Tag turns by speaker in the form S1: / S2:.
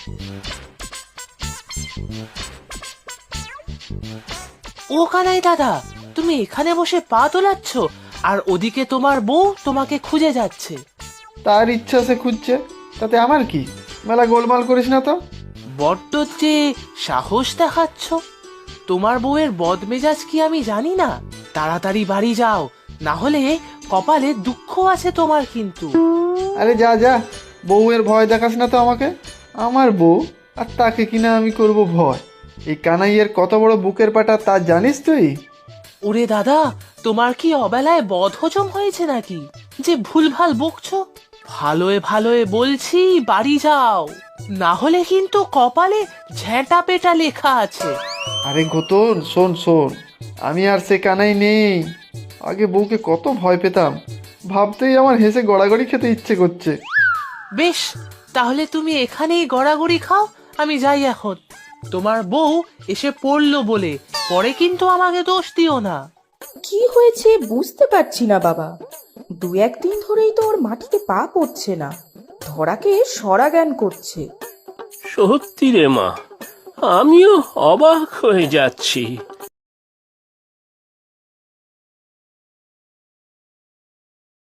S1: ও কানাই দাদা, তুমি এখানে বসে পা দোলাচ্ছ, আর ওদিকে তোমার বউ তোমাকে খুঁজে যাচ্ছে।
S2: তার ইচ্ছা সে খুঁজছে, তাতে আমার কি? মেলা গোলমাল করিস না তো।
S1: বড্ড যে সাহস দেখাচ্ছ। তোমার বউয়ের বদমেজাজ কি আমি জানি না? তাড়াতাড়ি বাড়ি যাও, না হলে কপালে দুঃখ আছে তোমার কিন্তু।
S2: আরে যা যা, বউয়ের ভয় দেখাস না তো আমাকে। আমার বউ, আর তাকে কিনা আমি করব ভয়? এই কানাইয়ের কত বড় বুকের পাটা তা জানিস তুই?
S1: ওরে দাদা, তোমার কি অবেলায় বদহজম হয়েছে নাকি যে ভুলভাল বকছো? ভালোয় ভালোয় বলছি বাড়ি যাও, না হলে কিন্তু কপালে ঝ্যাঁটা পেটা লেখা আছে।
S2: আরে ঘোতন, শোন শোন, আমি আর সে কানাই নেই। আগে বউকে কত ভয় পেতাম, ভাবতেই আমার হেসে গড়াগড়ি খেতে ইচ্ছে করছে।
S1: বেশ, তাহলে তুমি এখানেই গড়াগড়ি খাও, আমি যাই এখন। তোমার বউ এসে পড়লো বলে পরে কিন্তু আমাকে দোষ দিও না।
S3: কি হয়েছে বুঝতে পারছি না বাবা। দু একদিন ধরেই তো ওর মাটিতে পা পড়ছে না, ধরাকে সরা জ্ঞান করছে।
S4: সত্যি রে মা, আমিও অবাক হয়ে যাচ্ছি।